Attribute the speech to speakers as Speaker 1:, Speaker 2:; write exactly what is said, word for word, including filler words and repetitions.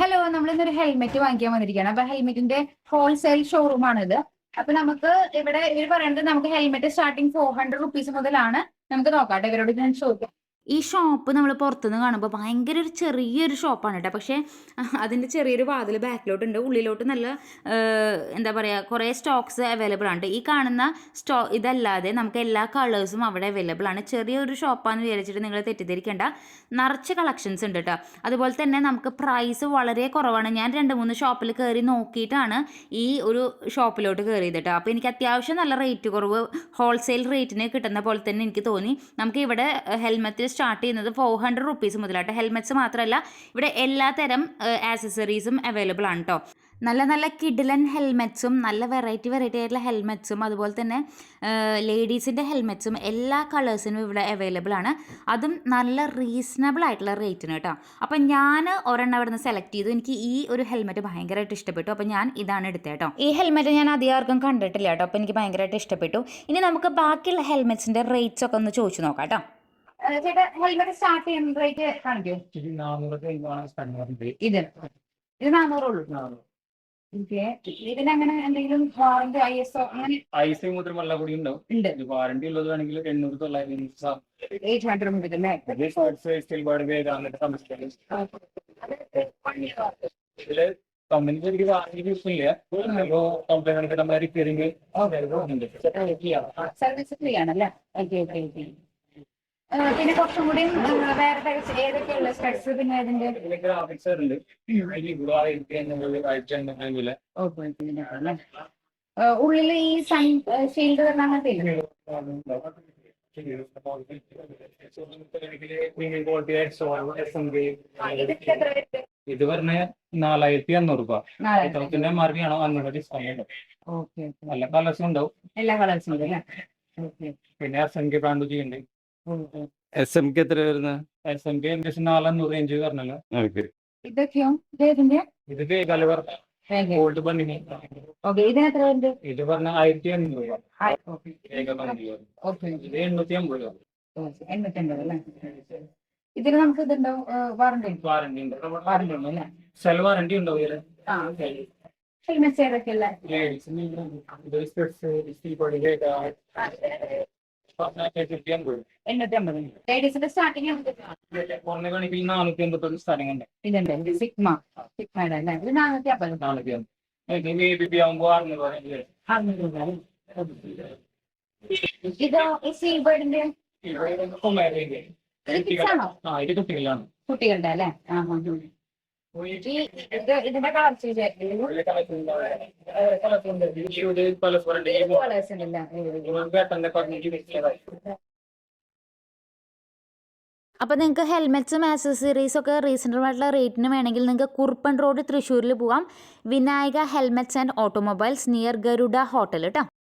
Speaker 1: Hello, നമ്മളിന്നൊരു helmet വാങ്ങിക്കാൻ വന്നിരിക്കുകയാണ്. അപ്പൊ ഹെൽമെറ്റിന്റെ ഹോൾസെയിൽ ഷോറൂം ആണിത്. അപ്പൊ നമുക്ക് ഇവിടെ ഇവർ പറയുന്നത് നമുക്ക് helmet starting four hundred rupees മുതലാണ്. നമുക്ക് നോക്കാം ഇവരോട് ഞാൻ ചോദിക്കാം.
Speaker 2: ഈ ഷോപ്പ് നമ്മൾ പുറത്തുനിന്ന് കാണുമ്പോൾ ഭയങ്കര ഒരു ചെറിയൊരു ഷോപ്പാണ് കേട്ടോ. പക്ഷേ അതിൻ്റെ ചെറിയൊരു വാതിൽ ബാക്കിലോട്ടുണ്ട്, ഉള്ളിലോട്ട് നല്ല എന്താ പറയുക കുറേ സ്റ്റോക്സ് അവൈലബിൾ ആണ്. ഈ കാണുന്ന സ്റ്റോ ഇതല്ലാതെ നമുക്ക് എല്ലാ കളേഴ്സും അവിടെ അവൈലബിൾ ആണ്. ചെറിയൊരു ഷോപ്പാണെന്ന് വിചാരിച്ചിട്ട് നിങ്ങൾ തെറ്റിദ്ധരിക്കേണ്ട, നിറച്ച് കളക്ഷൻസ് ഉണ്ട് കേട്ടോ. അതുപോലെ തന്നെ നമുക്ക് പ്രൈസ് വളരെ കുറവാണ്. ഞാൻ രണ്ട് മൂന്ന് ഷോപ്പിൽ കയറി നോക്കിയിട്ടാണ് ഈ ഒരു ഷോപ്പിലോട്ട് കയറിയത് കേട്ടോ. അപ്പോൾ എനിക്ക് അത്യാവശ്യം നല്ല റേറ്റ് കുറവ് ഹോൾസെയിൽ റേറ്റിന് കിട്ടുന്ന പോലെ തന്നെ എനിക്ക് തോന്നി. നമുക്ക് ഇവിടെ ഹെൽമെറ്റ് സ്റ്റാർട്ട് ചെയ്യുന്നത് ഫോർ ഹൺഡ്രഡ് റുപ്പീസ് മുതലായിട്ട്. ഹെൽമെറ്റ്സ് മാത്രമല്ല, ഇവിടെ എല്ലാ തരം ആക്സസറീസും അവൈലബിൾ ആണ് കേട്ടോ. നല്ല നല്ല കിഡിലൻ ഹെൽമെറ്റ്സും നല്ല വെറൈറ്റി വെറൈറ്റി ആയിട്ടുള്ള ഹെൽമെറ്റ്സും അതുപോലെ തന്നെ ലേഡീസിൻ്റെ ഹെൽമെറ്റ്സും എല്ലാ കളേഴ്സിനും ഇവിടെ അവൈലബിൾ ആണ്. അതും നല്ല റീസണബിൾ ആയിട്ടുള്ള റേറ്റിന് കേട്ടോ. അപ്പം ഞാൻ ഒരെണ്ണം അവിടെ നിന്ന് സെലക്ട് ചെയ്തു. എനിക്ക് ഈ ഒരു ഹെൽമെറ്റ് ഭയങ്കരമായിട്ട് ഇഷ്ടപ്പെട്ടു. അപ്പം ഞാൻ ഇതാണ് എടുത്തത് കേട്ടോ. ഈ ഹെൽമെറ്റ് ഞാൻ അധികം ആർക്കും കണ്ടിട്ടില്ല കേട്ടോ. അപ്പം എനിക്ക് ഭയങ്കരമായിട്ട് ഇഷ്ടപ്പെട്ടു. ഇനി നമുക്ക് ബാക്കിയുള്ള ഹെൽമെറ്റ്സിൻ്റെ റേറ്റ്സ് ഒക്കെ ഒന്ന് ചോദിച്ചു നോക്കാം കേട്ടോ.
Speaker 1: ചേട്ടാ, ഹെൽമെറ്റ് സ്റ്റാർട്ട് ചെയ്യുന്ന റേറ്റ് കാണിക്കോ? ഇത് ഇത് നാനൂറുള്ളൂ. ഇതിനങ്ങനെ എന്തെങ്കിലും വാറന്റി ഐ എസ് ഒ അങ്ങനെ
Speaker 3: ഐ എസ് ഐ മുതൽ വെള്ള കൂടി ഉണ്ടാവും. വാറന്റി ഉള്ളത് വേണമെങ്കിൽ എണ്ണൂറ് തൊള്ളായിരം
Speaker 1: എയ്റ്റ് ഹൺഡ്രഡ് മുതലല്ലേ?
Speaker 3: ഇതില് കമ്പനിക്ക് എനിക്ക് വാറന്റി കിട്ടില്ല. കമ്പനി നമ്മളെ റിപ്പയറിംഗ്
Speaker 1: സർവീസ് ഫ്രീ ആണല്ലേ? Okay okay okay. പിന്നെ കുറച്ചും കൂടി വേറെ ഏതൊക്കെയുള്ള സ്പെക്സ് പിന്നെ അതിന്റെ
Speaker 3: ഗ്രാഫിക്സ് ഉണ്ട്.
Speaker 1: ഉള്ളിൽ ഈ സൺ ഷീൽഡ് വരുന്ന അങ്ങനത്തെ
Speaker 3: ഇത് പറഞ്ഞ നാലായിരത്തി അഞ്ഞൂറ് രൂപ. ത്തിന്റെ മാർക്കാണോ അഞ്ഞൂറ് ഡിസ്കൗണ്ട്. നല്ല കളേഴ്സും ഉണ്ടാവും.
Speaker 1: എല്ലാ കളേഴ്സും ഉണ്ട്.
Speaker 3: പിന്നെ എസ് എം കെ ബ്രാൻഡ് ചെയ്യുന്നുണ്ട്. എസ് എം കെ എത്ര വരുന്നത്? എസ് എം കെ ഏകദേശം നാലഞ്ഞൂറ് റേഞ്ച് പറഞ്ഞല്ലോ.
Speaker 1: ഇതൊക്കെയോ ഇതിന്റെ
Speaker 3: ഇത് ഗലവർ ഗോൾഡ് ബണ്ണിന്
Speaker 1: ഇതിന് എത്ര ഉണ്ട്?
Speaker 3: ഇത് പറഞ്ഞ ആയിരത്തി അഞ്ഞൂറ് രൂപ. ഇത് എണ്ണൂറ്റി അമ്പത് രൂപ.
Speaker 1: എണ്ണൂറ്റി അമ്പത് അല്ലേ? ഇതിന് നമുക്ക് ഇതുണ്ടോ വാറന്റി?
Speaker 3: വാറന്റി ഉണ്ട്.
Speaker 1: വാറന്റി ഉണ്ട് അല്ലേ?
Speaker 3: സെൽ വാറന്റി ഉണ്ടാവും.
Speaker 1: ഹെൽമെറ്റ്സ് ഏതൊക്കെയല്ല? എണ്ണൂറ്റി അമ്പത്. ലേഡീസിന്റെ സ്റ്റാർട്ടിങ്
Speaker 3: നാനൂറ്റി അമ്പത്തി സ്റ്റാർട്ടിംഗ് ഉണ്ട്.
Speaker 1: ഇതുണ്ട് സിഗ്മ സിഗ്മയുടെ അല്ലേ? ഇത് നാനൂറ്റി അമ്പത്.
Speaker 3: നാനൂറ്റി അമ്പത് ആകുമ്പോ അറുന്നൂറ്.
Speaker 1: ഇതോ ഈ സീബേർഡിന്റെ
Speaker 3: കുട്ടികളാണ്.
Speaker 1: കുട്ടികളുടെ അല്ലേ? ആ ഇതിന്റെ കളർ
Speaker 2: അപ്പോൾ നിങ്ങൾക്ക് ഹെൽമെറ്റ്സും ആക്സസറീസും ഒക്കെ റീസണബിൾ ആയിട്ടുള്ള റേറ്റിന് വേണമെങ്കിൽ നിങ്ങൾക്ക് കുറുപ്പൻ റോഡ് തൃശ്ശൂരിൽ പോവാം. Vinayaka helmets and automobiles near Garuda hotel കേട്ടോ.